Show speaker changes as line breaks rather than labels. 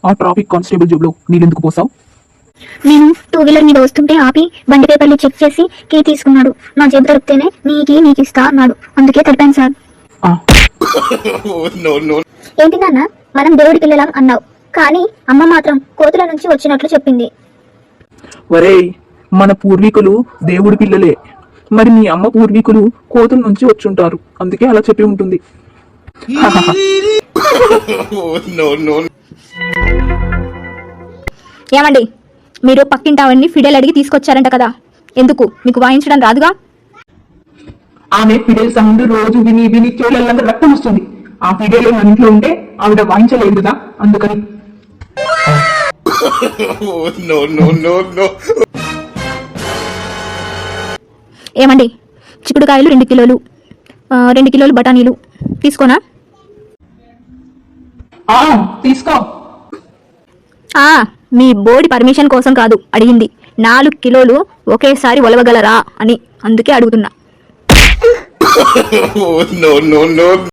ఆ traffic constable job లో నీళ్ళెందుకు పోసావు?
నేను 2 వీలర్ మీద వస్తుంటే ఆపి బండి పేపర్లు చెక్ చేసి కీ తీసుకున్నాడు. నా జేబు దొరికితేనే నీకు ఇస్తా అన్నాడు. అందుకే తడిపాను సార్. ఏంటి నాన్న, మనం దేవుడి పిల్లలం అన్నావు, కానీ అమ్మ మాత్రం కోతుల నుంచి వచ్చినట్లు చెప్పింది.
వరేయ్, మన పూర్వీకులు దేవుడి పిల్లలే, మరి మీ అమ్మ పూర్వీకులు కోతుల నుంచి వచ్చుంటారు, అందుకే అలా చెప్పి ఉంటుంది.
ఏమండి, మీరు పక్కింటావన్నీ ఫిడేల్ అడిగి తీసుకొచ్చారంట కదా, ఎందుకు? మీకు వాయించడం రాదుగా?
ఆమె ఫిడేల్ సౌండ్ రోజు విని విని చెవులంతా రక్తం వస్తుంది. ఆ ఫిడేల్ మన ఇంట్లో ఉంటే ఆవిడ వాయించలేదు కదా, అందుకని.
ఏమండి, చిక్కుడుకాయలు 2 కిలోలు, 2 కిలోలు బఠానీలు తీసుకోనా?
తీసుకో.
మీ బోర్డి పర్మిషన్ కోసం కాదు అడిగింది, 4 కిలోలు ఒకేసారి ఒలవగలరా అని, అందుకే అడుగుతున్నా.